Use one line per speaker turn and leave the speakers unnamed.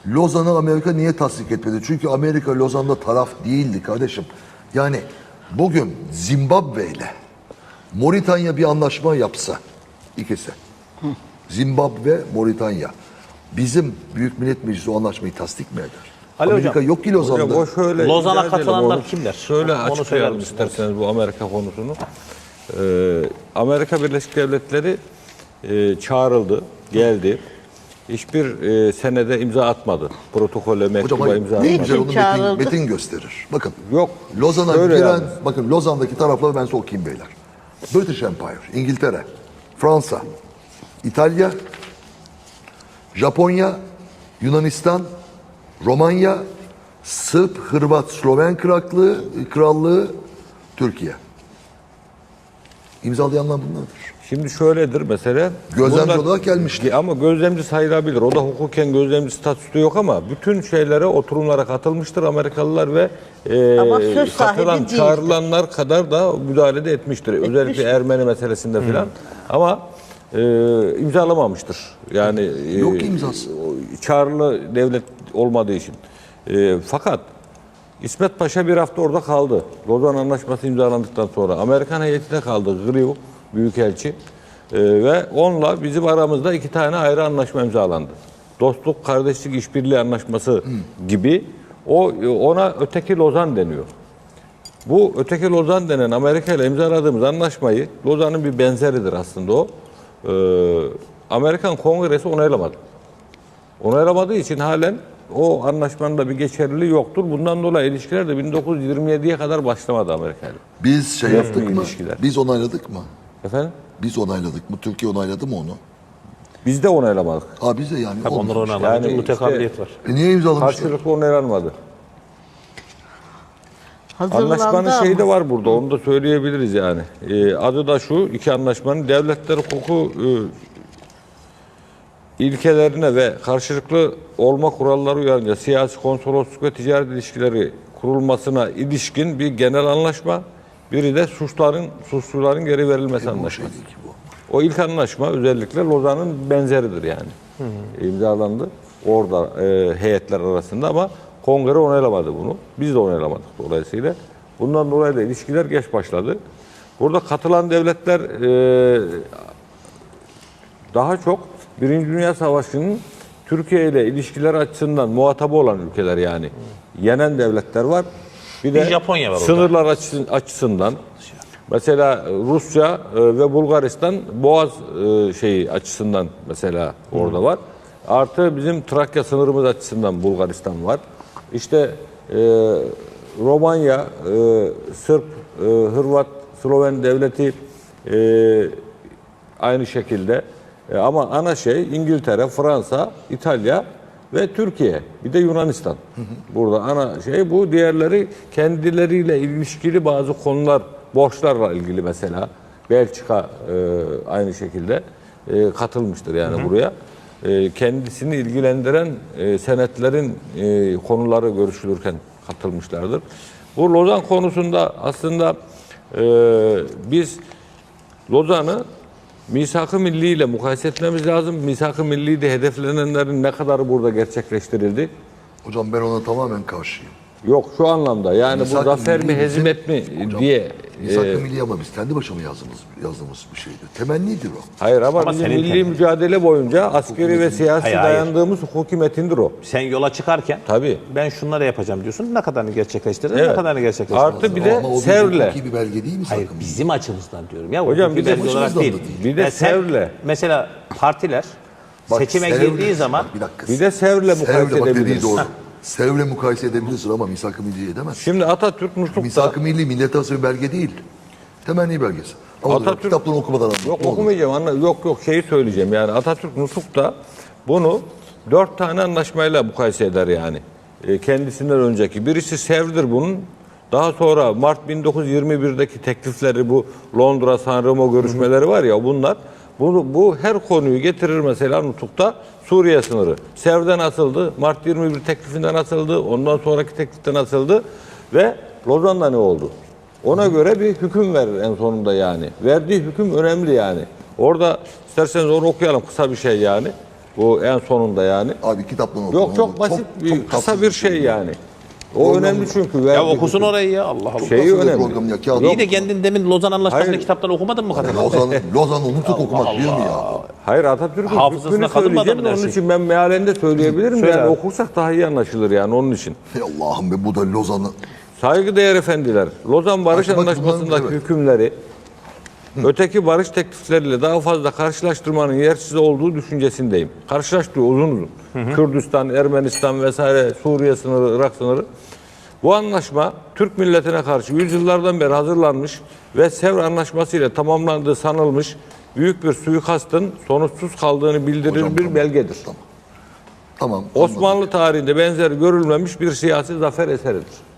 Lozan'ı Amerika niye tasdik etmedi? Çünkü Amerika Lozan'da taraf değildi kardeşim. Yani bugün Zimbabwe ile Moritanya bir anlaşma yapsa, ikisi. Zimbabwe, Moritanya. Bizim Büyük Millet Meclisi o anlaşmayı tasdik mi eder?
Ali
Amerika
hocam,
yok ki Lozan'da.
Hocam o şöyle
Lozan'a
izah edelim
katılanlar
onu.
kimler?
Şöyle
Onu söyler
açıklayalım
misiniz?
isterseniz bu Amerika konusunu. Amerika Birleşik Devletleri çağrıldı, geldi. Hiçbir senede imza atmadı. Protokole, mektuba
Hocam
imza
ne
atmadı.
güzel onu
çağrıldı?
metin gösterir. Bakın.
Yok.
Lozan'a
şöyle
giren,
yani.
bakın Lozan'daki tarafları ben size okuyayım beyler. British Empire, İngiltere, Fransa, İtalya, Japonya, Yunanistan, Romanya, Sırp, Hırvat, Sloven Krallığı, Türkiye. İmzalayanlar bunlardır.
Şimdi şöyledir mesela.
Gözlemci olarak gelmişti.
Ama gözlemci sayılabilir. O da hukuken gözlemci statüsü yok ama bütün şeylere, oturumlara katılmıştır Amerikalılar ve
Ama söz sahibi
katılan,
değildir.
çağrılanlar kadar da müdahale de etmiştir. Özellikle Ermeni meselesinde filan. Ama imzalamamıştır. Yani
Yok ki imzası.
çağrılı devlet olmadığı için. Fakat İsmet Paşa bir hafta orada kaldı. Lozan Anlaşması imzalandıktan sonra. Amerikan heyetine kaldı. Grew Büyükelçi. Ve onunla bizim aramızda 2 tane ayrı anlaşma imzalandı. Dostluk, kardeşlik, işbirliği anlaşması gibi. Ona öteki Lozan deniyor. Bu öteki Lozan denen Amerika ile imzaladığımız anlaşmayı, Lozan'ın bir benzeridir aslında o. Amerikan Kongresi onaylamadı. Onaylamadığı için halen o anlaşmanın da bir geçerliliği yoktur. Bundan dolayı ilişkiler de 1927'ye kadar başlamadı Amerika'yla.
Biz şey yaptık mı?
ilişkiler.
Biz onayladık mı?
Efendim?
Biz onayladık mı? Türkiye onayladı mı onu?
Biz de onaylamadık.
Biz de yani.
Tabii onlar
olmamış.
oynanmadı.
Yani
Mütekabiliyet var.
Niye imzalamışlar?
Karşılıklı onaylanmadı.
Hazırlandı
Anlaşmanın şeyi de
ama.
var burada, onu da söyleyebiliriz yani. Adı da şu, iki anlaşmanın devletler hukuku ilkelerine ve karşılıklı olma kuralları uyarınca siyasi, konsolosluk ve ticaret ilişkileri kurulmasına ilişkin bir genel anlaşma. Biri de suçluların geri verilmesi
Bu
anlaşması.
şeydi ki bu.
O ilk anlaşma özellikle Lozan'ın benzeridir yani. İmzalandı orada heyetler arasında ama kongre onaylamadı bunu. Biz de onaylamadık dolayısıyla. Bundan dolayı da ilişkiler geç başladı. Burada katılan devletler daha çok Birinci Dünya Savaşı'nın Türkiye ile ilişkiler açısından muhatabı olan ülkeler yani. Yenen devletler var. Bir
Japonya var orada.
sınırlar açısından. Mesela Rusya ve Bulgaristan Boğaz şeyi açısından mesela orada var. Artı bizim Trakya sınırımız açısından Bulgaristan var. İşte Romanya, Sırp, Hırvat, Sloven devleti aynı şekilde. Ama ana şey İngiltere, Fransa, İtalya ve Türkiye. Bir de Yunanistan. Burada ana şey bu. Diğerleri kendileriyle ilişkili bazı konular, borçlarla ilgili mesela. Belçika aynı şekilde katılmıştır yani buraya. Kendisini ilgilendiren senetlerin konuları görüşülürken katılmışlardır. Bu Lozan konusunda aslında biz Lozan'ı Misak-ı Milli ile mukayese etmemiz lazım. Misak-ı Milli'de hedeflenenlerin ne kadarı burada gerçekleştirildi?
Hocam ben ona tamamen karşıyım.
Yok şu anlamda yani bu
Misak-ı
zafer mi
Milli
hezimet mi
Hocam,
diye.
Misak-ı Milli ama biz kendi başıma yazdığımız bir şeydi. Temennidir o.
Hayır ama bizim
senin
milli mücadele boyunca askeri ve siyasi
Hayır.
dayandığımız hukuki metindir o.
Sen yola çıkarken
Tabii.
ben şunları yapacağım diyorsun. Ne kadarını gerçekleştirdin,
Evet.
ne kadarını gerçekleştirdin.
Artı bir de
Ama o
Sevr'le.
hukuki bir belge değil mi
Hayır,
Misak-ı Milli?
bizim açımızdan diyorum ya.
Hocam,
hukuki
bir de
belge olarak
başımızdan
değil.
da değil.
Bir de
Yani sen
Sevr'le.
mesela partiler
Bak,
seçime
Sevr'le-
girdiği zaman
Bak, bir dakika.
Bir de Sevr'le mukayese
Sevr'le bak dediği
edebiliriz.
doğru. Sevr'le mukayese edebilirsin ama Misak-ı Milli'yi edemez.
Şimdi Atatürk Nutuk'ta
Misak-ı Milli millet arası bir belge değil. Temenni belgesi. Ama
Atatürk-
kitaplarını okumadan anlat.
Yok
Ne olur.
okumayacağım. Yok şeyi söyleyeceğim. Yani Atatürk Nutuk'ta bunu 4 tane anlaşmayla mukayese eder yani. Kendisinden önceki. Birisi Sevr'dir bunun. Daha sonra Mart 1921'deki teklifleri bu Londra San Remo görüşmeleri var ya bunlar. Bu her konuyu getirir mesela Nutuk'ta Suriye sınırı. Sevr'den asıldı. Mart 21 teklifinden asıldı. Ondan sonraki tekliften asıldı. Ve Lozan'da ne oldu? Ona göre bir hüküm verir en sonunda yani. Verdiği hüküm önemli yani. Orada isterseniz onu okuyalım kısa bir şey yani. Bu en sonunda yani.
Abi kitaptan oku.
Yok çok basit, kısa
tatsız
bir şey yani. O
Program-
önemli çünkü.
Ya
verdiği
okusun
bütün-
orayı ya Allah Allah.
Şeyi
Tatsız bir
önemli.
program ya, kağıt
İyi de
oku.
kendin demin Lozan Anlaşması'nı
Hayır.
kitaptan okumadın mı kadın?
Lozan'ı unutup okumak değil mi ya?
Hayır, Atatürk'ün
Hafızasına
hükmünü
kalır mı
söyleyeceğim
adamın
de
her
onun
şey?
için ben mealinde söyleyebilirim.
Söyle
Yani
abi.
okursak daha iyi anlaşılır yani onun için.
Ey Allah'ım be, bu da Lozan'ı.
Saygıdeğer efendiler, Lozan Barış
Bak,
Anlaşması'ndaki
bunlar- evet.
hükümleri öteki barış teklifleriyle daha fazla karşılaştırmanın yersiz olduğu düşüncesindeyim. Karşılaştırıyor uzun uzun. Kürdistan, Ermenistan vesaire, Suriye sınırı, Irak sınırı. Bu anlaşma Türk milletine karşı yüzyıllardan beri hazırlanmış ve Sevr Anlaşması ile tamamlandığı sanılmış büyük bir suikastın sonuçsuz kaldığını bildirir
Hocam,
bir
tamam.
belgedir.
Tamam.
Osmanlı tarihinde benzeri görülmemiş bir siyasi zafer eseridir.